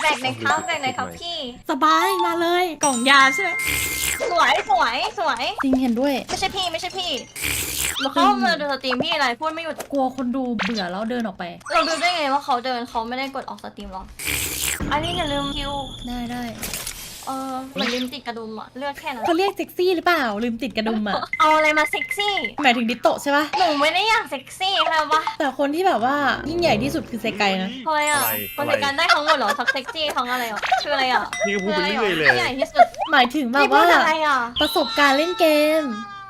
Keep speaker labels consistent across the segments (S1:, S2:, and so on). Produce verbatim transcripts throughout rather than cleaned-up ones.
S1: กในครับแจกในครับพี่
S2: สบายมาเลยกล่องยาใช่ไหม
S1: สวยสวยสวย
S2: จริงเห็นด้วย
S1: ไม่ใช่พี่ไม่ใช่พี่มาเข้ามาดูสตรีมพี่อะไรพูดไม่หยุด
S2: กลัวคนดูเบื่อแล้วเดินออกไป
S1: เราดูได้ไงว่าเขาเดินเขาไม่ได้กดออกสตรีมหรออันนี้อย่าลืมคิว
S2: ได้ได้
S1: เออเหมือนลืมติดกระดุมอะเลือกแค่นั้น
S2: เขาเรียกเซ็กซี่หรือเปล่าลืมติดกระดุมอะ
S1: เอาอะไรมาเซ็กซี่
S2: หมายถึงดิโตะใช่ปะ
S1: หนูไม่ได้อยากเซ็กซี่ค่ะวะ
S2: แต่คนที่แบบว่ายิ่งใหญ่ที่สุดคือเซไกนะ
S1: ทำไมอะคนในการได้ทั้งหมดเหรอทั้งเซ็กซี่ทั้งอะไรอ่ะคืออะไรอ่ะ
S3: นี่ก็พูดไปเรื่อยเลย
S1: ใหญ่ที่สุด
S2: หมายถึงแบบว่าประสบการณ์เล่นเกม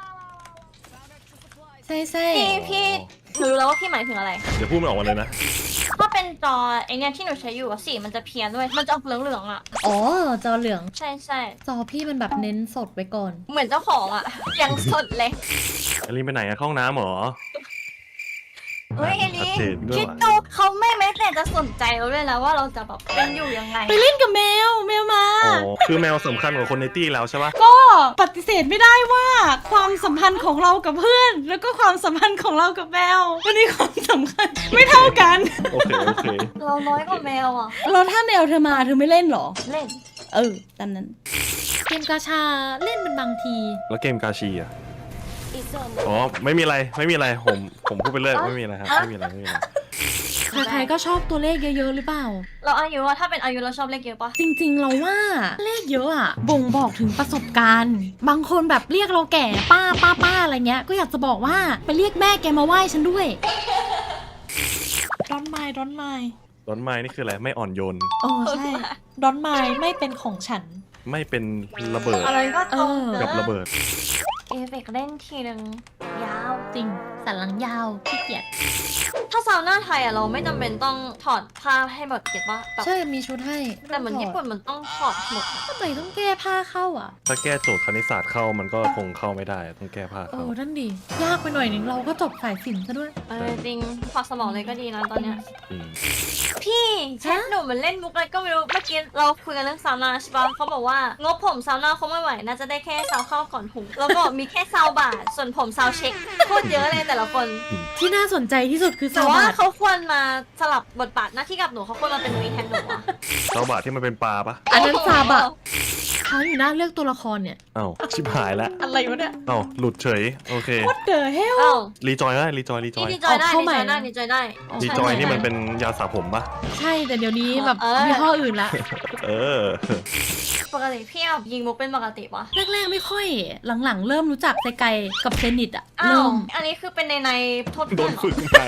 S2: ใช่ใช่
S1: พี่พี่หนูรู้แล้วว่าพี่หมายถึงอะไร
S3: เดี๋ยวพูดไม่ออกมาเลยนะ
S1: ถ้าเป็นจอไอเนี้ยที่หนูใช้อยู่อะสีมันจะเพี้ยนด้วยมันจะออกเหลืองๆอะ
S2: อ๋อจอเหลือง
S1: ใช่ใช่
S2: จอพี่มันแบบเน้นสดไว้ก่อน
S1: เหมือนเจ้าของอะยังสดเลย
S3: อลินไปไหนอะเข้าห้องน้ำเหรอ
S1: เฮ้ยเอลิคิดดูเขาไม่แม้แต่จะสนใจเราเลยแล้วว่าเราจะแบบเป็นอยู่ยังไง
S2: ไปเล่นกับแมวแมวมา
S3: อ๋อคือแมวสำคัญกว่าคนในตี้แล้วใช่ปะ
S2: ก็ปฏิเสธไม่ได้ว่าความสัมพันธ์ของเรากับเพื่อนแล้วก็ความสัมพันธ์ของเรากับแมวมันมีความสำคัญไม่เท่ากัน
S3: โอเคโอเค
S1: เราน้อยกว่าแมวอ่ะ
S2: เราถ้าแมวเธอมาเธอไม่เล่นหรอ
S1: เล่น
S2: เออตามนั้นเกมกาชาเล่นเป็นบางที
S3: แล้วเกมกาชีอะอ๋อไม่มีอะไรไม่มีอะไรผมผมพูดไปเรื่อยไม่มีอะไรครับไม่มีอะไรไม่มีอะไร
S2: ใครๆก็ชอบตัวเลขเยอะๆหรือเปล่า
S1: เราอายุว่าถ้าเป็นอายุเราชอบเลขเยอะปะ
S2: จริงๆเราว่าเลขเยอะอะบ่งบอกถึงประสบการณ์บางคนแบบเรียกเราแก่ป้าป้าป้าอะไรเงี้ยก็อยากจะบอกว่าไปเรียกแม่แกมาไหว้ฉันด้วยดอนไมล์ดอนไมล์
S3: ดอนไมล์นี่คืออะไรไม่อ่อนโยน
S2: อ๋อใช่ดอนไมล์ไม่เป็นของฉัน
S3: ไม่เป็นระเบิด
S1: อะไรก็ตรง
S3: กับระเบิด
S1: เอฟเฟกเล่นทีนึงยาว
S2: จริงสันหลังยาวขี้เกียจ
S1: ถ้าซาวน่าไทยอะเราไม่จำเป็นต้องถอดผ้าให้แบบเก็ตปะ
S2: ใช่มีชุดให้
S1: แต่เหมือนญี่ปุ่นมันต้องถอดหมด
S2: ทำไมต้องแก้ผ้าเข้าอ่ะ
S3: ถ้าแก้โจทย์คณิตศาสตร์เข้ามันก็คงเข้าไม่ได้ต้องแก้ผ้าเข้า
S2: โอ้ท่านดียากไปหน่อยนึงเราก็จบสายศิลป์ซะด้วย
S1: เออจริงฝากสมองเลยก็ดีนะตอนเนี้ยพี่แชทหนูมันเล่นมุกอะไรก็ไม่รู้เมื่อกี้เราคุยกันเรื่องซาวน่าใช่ปะเขาบอกว่างบผมซาวน่าเขาไม่ไหวน่าจะได้แค่ซาวเข้าก่อนหุงแล้วก็มีแค่ซาวบาทส่วนผมซาวเช็คโคตรเยอะเลยแต่ละคน
S2: ที่น่าสนใจที่สุดคือ
S1: ซาวบาทแต่ว่าเขาควรมาสลับบทบาทหน้าที่กับหนูเขาควรมาเป็นนุ้ยแทนหนูอะ
S3: ซาวบาทที่มันเป็นปลาปะ
S2: อันนั้นซาบะเขาอยู่หน้าเลือกตัวละครเนี่ย
S3: เอ้าชิบหายแล้ว
S2: อะไรวะเนี่ย
S3: เอ้าหลุดเฉยโอเค
S2: What the hell
S3: รีจอยได้รีจอยรีจอย
S1: รีจอยได้รีจอยได้รีจอยได้
S3: รีจอยนี่มันเป็นยาสระผมปะ
S2: ใช่แต่เดี๋ยวนี้แบบยี่ห้ออื่นละ
S3: เออ
S1: ปกติพี่แบบยิงมุกเป็นปกติปะ
S2: แรกๆไม่ค่อยหลังๆเริ่มรู้จักไซไกกับเซนิตอะ
S1: เริ่มอันนี้คือเป็นในในโทษ
S3: โดนฝึกมา